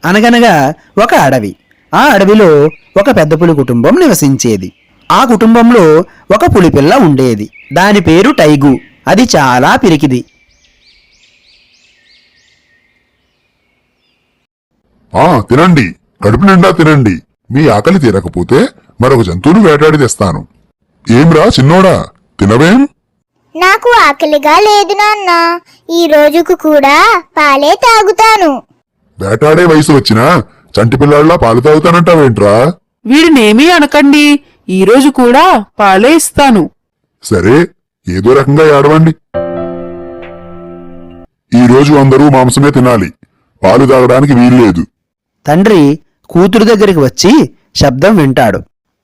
అనగనగా ఒక అడవి. ఆ అడవిలో ఒక పెద్ద పులి కుటుంబం నివసించేది. ఆ కుటుంబంలో ఒక పులిపిల్ల ఉండేది. దాని పేరు టైగు. అది చాలా పిరికిది. తినండి, కడుపు నిండా తినండి. మీ ఆకలి తీరకపోతే మరొక జంతువును వేటాడి తెస్తాను. ఏంరా చిన్నోడా, తినవేం? నాకు ఆకలిగా లేదు నాన్న. ఈ రోజుకు కూడా పాలే తాగుతాను. వేటాడే వయసు వచ్చినా చంటి పిల్లాళ్ళ పాలు తాగుతానంటావేంట్రా? వీడినేమీ అనకండి, ఈరోజు కూడా పాలే ఇస్తాను. సరే, ఏదో రకంగా ఏడవండి. ఈ రోజు అందరూ మాంసమే తినాలి, పాలు తాగడానికి వీల్లేదు. తండ్రి కూతురు దగ్గరికి వచ్చి శబ్దం వింటాడు.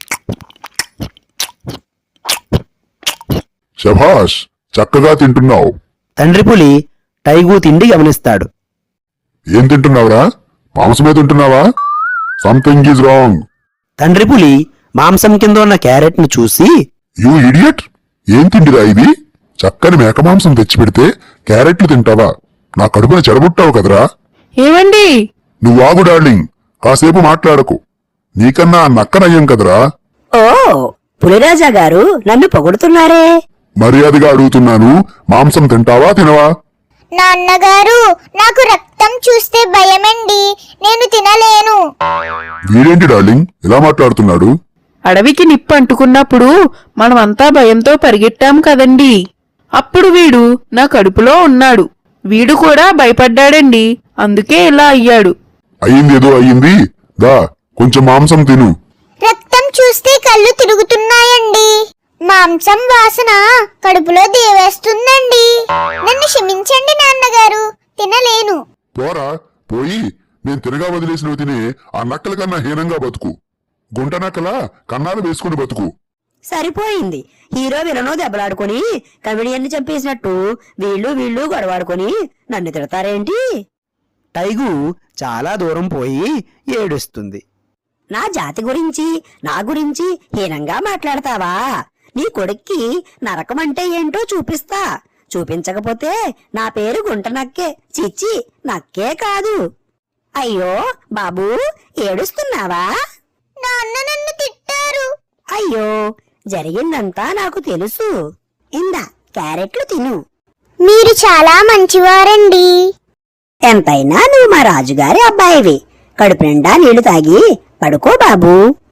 శభాష్, చక్కగా తింటున్నావు. తండ్రి పులి టైగు తిండి గమనిస్తాడు. ఏం తింటున్నావురా? మాంసమే తింటున్నావా? Something is wrong. తండ్రి పులి మాంసం కింద ఉన్న క్యారెట్ ను చూసి, యూ ఇడియట్, ఏం తిండిరా ఇది? చక్కని మేక మాంసం తెచ్చిపెడితే క్యారెట్లు తింటావా? నా కడుపున చెడబుట్టావు కదరా. ఏమండి? నువ్వాగు డార్లింగ్, కాసేపు మాట్లాడకు. నీకన్నా ఆ నక్కనయ్యం కదరా. ఓ, పులిరాజా గారు నన్ను పొగుడుతున్నారే. మర్యాదగా అడుగుతున్నాను, మాంసం తింటావా తినవా? నాన్నగారు, నాకు రక్తం చూస్తే భయమండి. నేను తినలేను. వీడేంటి డార్లింగ్ ఇలా మాట్లాడుతున్నాడు? అడవికి నిప్పు అంటుకున్నప్పుడు మనమంతా భయంతో పరిగెట్టాం కదండి. అప్పుడు వీడు నా కడుపులో ఉన్నాడు. వీడు కూడా భయపడ్డాడండి, అందుకే ఇలా అయ్యాడు. అయ్యిందేదో అయ్యింది, దా కొంచెం మాంసం తిను. రక్తం చూస్తే కళ్ళు తిరుగుతున్నాయండి. మాంసం వాసన కడుపులో దేవేస్తుందండి. నన్ను క్షమించండి నాన్నగారు, తినలేను. పోరా, పోయి నేను తిరగా వదిలేసినవి తినే ఆ నక్కల కన్నా హీనంగా బతుకు. గుంట నక్కల కన్నాలు వేసుకుని బతుకు. సరిపోయింది. హీరో విలను దెబ్బలాడుకుని కమెడియన్ని చంపేసినట్టు వీళ్ళు గొడవాడుకొని నన్ను తిడతారేంటి? టైగు చాలా దూరం పోయి ఏడుస్తుంది. నా జాతి గురించి, నా గురించి హీనంగా మాట్లాడతావా? నీ కొడుక్కి నరకమంటే ఏంటో చూపిస్తా. చూపించకపోతే నా పేరు గుంట నక్కే. చిచ్చి, నక్కే కాదు. అయ్యో బాబూ, ఏడుస్తున్నావా? నాన్న నన్ను తిట్టారు. అయ్యో, జరిగిందంతా నాకు తెలుసు. ఇందా క్యారెట్లు తిను. మీరు చాలా మంచివారండి. ఎంతైనా నువ్వు మా రాజుగారి అబ్బాయివి. కడుపు నిండా నీళ్లు తాగి పడుకో బాబూ.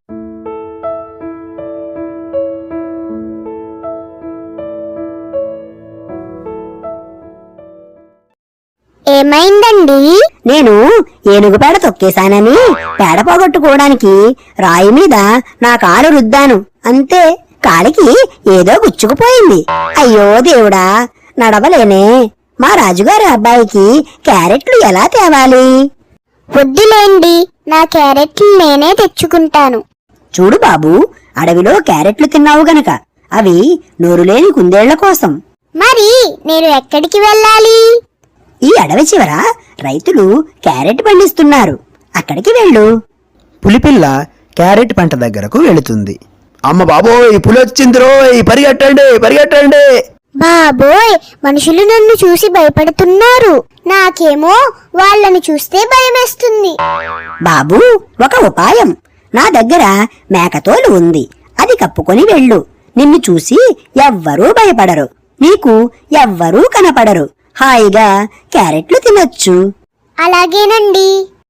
ఏమైందండి? నేను ఏనుగు పేడ తొక్కేశానని పేడ పోగొట్టుకోవడానికి రాయి మీద నా కాలు రుద్దాను. అంతే, కాలికి ఏదో గుచ్చుకుపోయింది. అయ్యో దేవుడా, నడవలేనే. మా రాజుగారి అబ్బాయికి క్యారెట్లు ఎలా తేవాలి? వద్దులేండి, నా క్యారెట్లు నేనే తెచ్చుకుంటాను. చూడు బాబూ, అడవిలో క్యారెట్లు తిన్నావు గనక అవి నోరులేని కుందేళ్ల కోసం. మరి నేను ఎక్కడికి వెళ్ళాలి? ఈ అడవి చివర రైతులు క్యారెట్ పండిస్తున్నారు, అక్కడికి వెళ్ళు. పులిపిల్ల క్యారెట్ పంట దగ్గరకు వెళుతుంది. అమ్మ బాబోయ్, పులి వచ్చిందిరోయ్, పరిగెట్టండి పరిగెట్టండి. బాబోయ్, మనుషులు నన్ను చూసి భయపడుతున్నారు. నాకేమో వాళ్ళని చూస్తే భయమేస్తుంది. బాబూ, ఒక ఉపాయం. నా దగ్గర మేకతోలు ఉంది, అది కప్పుకొని వెళ్ళు. నిన్ను చూసి ఎవ్వరూ భయపడరు, నీకు ఎవ్వరూ కనపడరు. హాయిగా క్యారెట్లు తినొచ్చు. అలాగేనండి.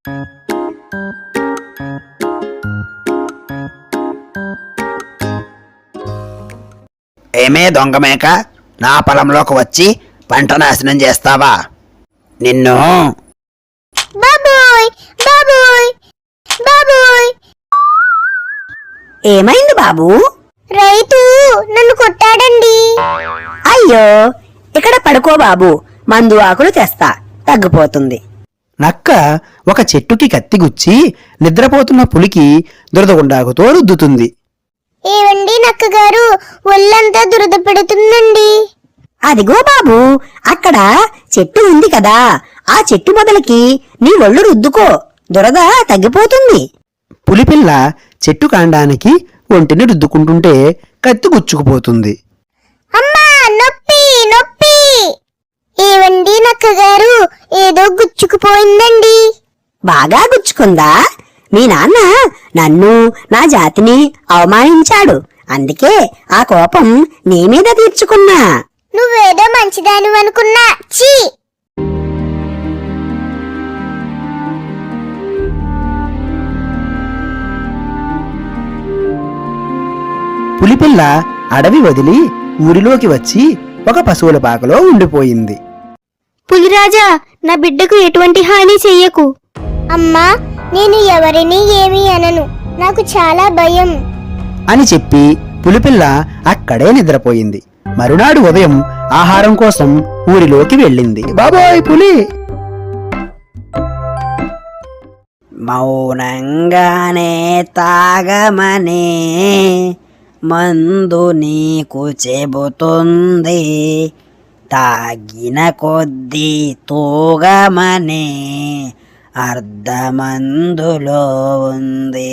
ఏమే దొంగమేక, నా పొలంలోకి వచ్చి పంట నాశనం చేస్తావా? నిన్ను. బాబోయ్ బాబోయ్ బాబోయ్. ఏమైంది బాబూ? రైతు నన్ను కొట్టాడండి. అయ్యో, ఇక్కడ పడుకో బాబూ, మందు ఆకులు తెస్తా, తగ్గిపోతుంది. నక్క ఒక చెట్టుకి కత్తిగుచ్చి నిద్రపోతున్న పులికి దురదగుండాకుతో రుద్దుతుంది. ఏవండి నక్కగారు, ఒళ్ళంతా దురద పెడుతుందండి. అదిగో బాబూ, అక్కడ చెట్టు ఉంది కదా, ఆ చెట్టు మొదలకి నీ ఒళ్ళు రుద్దుకో, దురద తగ్గిపోతుంది. పులిపిల్ల చెట్టు కాండానికి ఒంటిని రుద్దుకుంటుంటే కత్తి గుచ్చుకుపోతుంది. అమ్మా, నొప్పి నొప్పి. ఏవండి నక్కగారు, ఏదో గుచ్చుకుపోయిందండి. బాగా గుచ్చుకు తప్పించుకుందా? మీ నాన్న నన్ను నా జాతిని అవమానించాడు, అందుకే ఆ కోపం నీ మీద తీర్చుకున్నా. నువ్వేదో మంచిదాని అనుకున్నా. చీ! పులిపిల్ల అడవి వదిలి ఊరిలోకి వచ్చి ఒక పశువుల పాకలో ఉండిపోయింది. పులిరాజా, నా బిడ్డకు ఎటువంటి హాని చెయ్యకు. అమ్మా, నేను ఎవరిని ఏమీ అనను. నాకు చాలా భయం. అని చెప్పి పులిపిల్ల అక్కడే నిద్రపోయింది. మరునాడు ఉదయం ఆహారం కోసం ఊరిలోకి వెళ్ళింది. బాబోయ్ పులి! మౌనంగానే తాగమనే మందు నీకు చెబుతుంది, తాగిన కొద్దీ తూగమనే అర్ధమందులో ఉంది.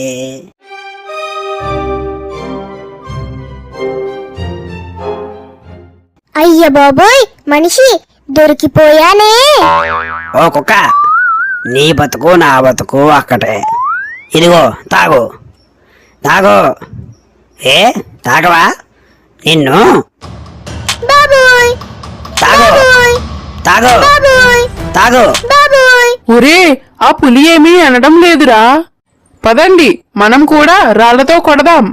అయ్య బాబోయ్, మనిషి దొరికిపోయానే. ఓ కుక్క, నీ బతుకు నా బతుకు అక్కటే. ఇదిగో తాగు తాగు. ఏ తాగవా? నిన్ను బాబోయ్ తాగు బాబోయ్ తాగు బాబోయ్ తాగు. బాబోయ్. ఒరే, ఆ పులి ఏమీ అనడం లేదురా. పదండి, మనం కూడా రాళ్లతో కొడదాం.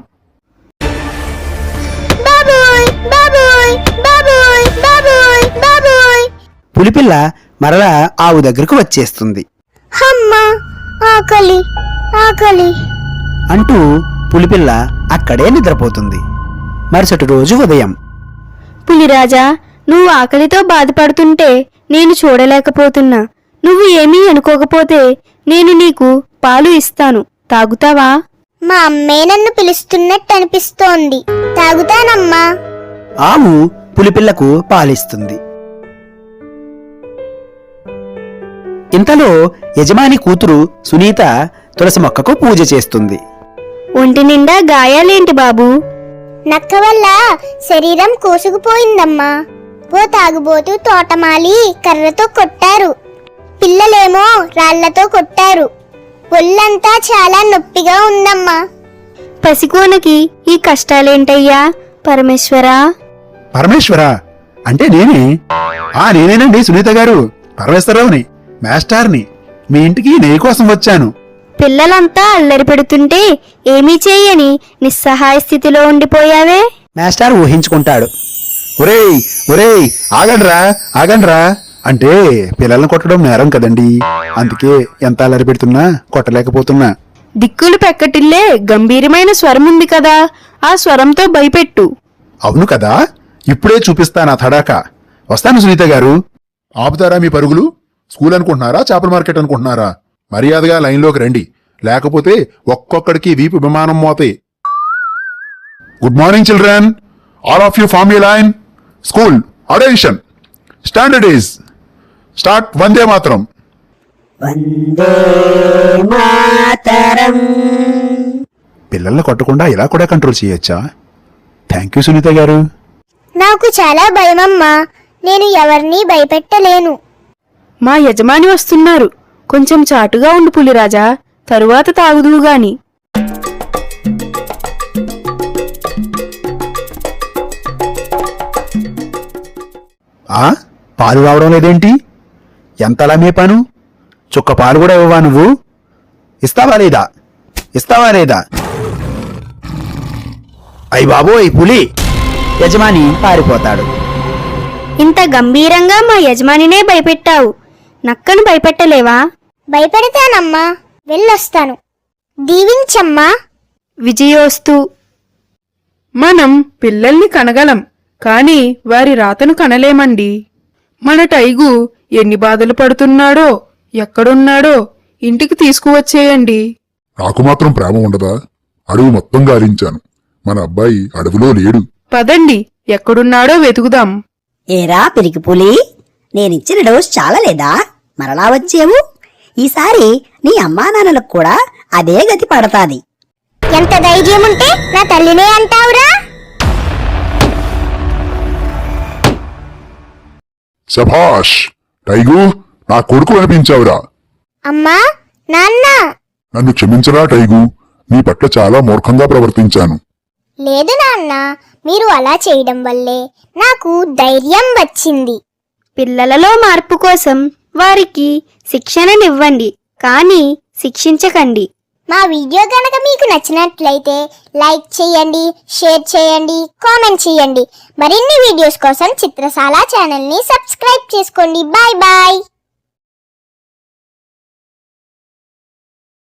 బాబోయ్ బాబోయ్ బాబోయ్ బాబోయ్ బాబోయ్. పులిపిల్ల మరలా ఆవు దగ్గరకు వచ్చేస్తుంది. అమ్మా, ఆకలి ఆకలి. అంటూ పులిపిల్ల అక్కడే నిద్రపోతుంది. మరుసటి రోజు ఉదయం పులిరాజా, నువ్వు ఆకలితో బాధపడుతుంటే నేను చూడలేకపోతున్నా. నువ్వు ఏమీ అనుకోకపోతే నేను నీకు పాలు ఇస్తాను, తాగుతావా? మా అమ్మే నన్ను పిలుస్తున్నట్టు అనిపిస్తోంది. తాగుతానమ్మా. ఆవు పులిపిల్లకు పాలిస్తుంది. ఇంతలో యజమాని కూతురు సునీత తులసి మొక్కకు పూజ చేస్తుంది. ఒంటి నిండా గాయాలేంటి బాబు? నక్క వల్ల శరీరం కోసుకుపోయిందమ్మా. ఓ తాగుబోతూ తోటమాలి కర్రతో కొట్టారు. పిల్లలేమో రాళ్లతో కొట్టారు. ఒళ్ళంతా చాలా నొప్పిగా ఉందమ్మా. పసికోనకి ఈ కష్టాలేంటయ్యా పరమేశ్వరా? పరమేశ్వరా అంటే నేనేనండి సునీత గారు, పరమేశ్వరరావుని, మాస్టార్ని. మీ ఇంటికి నే కోసం వచ్చాను. పిల్లలంతా అల్లరి పెడుతుంటే ఏమీ చేయని నిస్సహాయ స్థితిలో ఉండిపోయావే. మాస్టర్ ఊహించుకుంటాడు. ఒరేయ్ ఒరేయ్, ఆగండ్రా ఆగండ్రా అంటే పిల్లల్ని కొట్టడం నేరం కదండి, అందుకే ఎంత అల్లరి పెడుతున్నా కొట్టలేకపోతున్నా. దిక్కులు పెక్కటిల్లే గంభీరమైన స్వరం ఉంది కదా, ఆ స్వరంతో భయపెట్టు. అవును కదా, ఇప్పుడే చూపిస్తాను ఆ తడాక. వస్తాను సునీత గారు. ఆపుతారా మీ పరుగులు? స్కూల్ అనుకుంటున్నారా, చేపల మార్కెట్ అనుకుంటున్నారా? మర్యాదగా లైన్లోకి రండి, లేకపోతే ఒక్కొక్కడికి వీపు విమానం మోతే. Good morning children, all of you form you line. School attention, standard is start. Vande Mataram. Vande మాతరం. పిల్లల్ని కొట్టకుండా ఇలా కూడా కంట్రోల్ చేయొచ్చా? థ్యాంక్ యూ సునీత గారు. నాకు చాలా భయమమ్మా. నేను ఎవరినీ భయపెట్టలేను. మా యజమాని వస్తున్నారు, కొంచెం చాటుగా ఉండు పులిరాజా, తరువాత తాగుదువు గాని. పాలు రావడం లేదేంటి? ఎంతలా మేపాను, చుక్క పాలు కూడా ఇవ్వవా నువ్వు? ఇస్తావా లేదా? ఇస్తావా లేదా? అయ్ బాబోయ్ పులి! యజమాని పారిపోతాడు. ఇంత గంభీరంగా మా యజమానినే భయపెట్టావు, నక్కను భయపెట్టలేవా? భయపెడతానమ్మా, వెళ్ళొస్తాను. దీవించమ్మా. విజయోస్తు. మనం పిల్లల్ని కనగలం, కాని వారి రాతను కనలేమండి. మన టైగు ఎన్ని బాధలు పడుతున్నాడో, ఎక్కడున్నాడో ఇంటికి తీసుకువచ్చేయండి. నాకు మాత్రం ప్రేమ ఉండదా? అడవి మొత్తం గాలించాను, మన అబ్బాయి అడవిలో లేడు. పదండి, ఎక్కడున్నాడో వెతుకుదాం. ఏరా పిరికి పులి, నేనిచ్చిన డోస్ చాలలేదా? మరలా వచ్చేవు. ఈసారి నీ అమ్మా నాన్నలకు కూడా అదే గతి పడతాది. ఎంత ధైర్యం ఉంటే నా తల్లినే అంటావురా? శభాష్ టైగు, నా కొడుకు అనిపించావురా. అమ్మా, నాన్న, నన్ను క్షమించరా టైగు, నీ పట్ల చాలా మూర్ఖంగా ప్రవర్తించాను. లేదు నాన్న, మీరు అలా చేయడం వల్లే నాకు ధైర్యం వచ్చింది. పిల్లలలో మార్పు కోసం వారికి శిక్షణనివ్వండి, కానీ శిక్షించకండి. మా వీడియో గనక మీకు నచ్చినట్లయితే లైక్ చేయండి, షేర్ చేయండి, కామెంట్ చేయండి. మరిన్ని వీడియోస్ కోసం చిత్రశాల ఛానల్ని సబ్స్క్రైబ్ చేసుకోండి. Bye bye.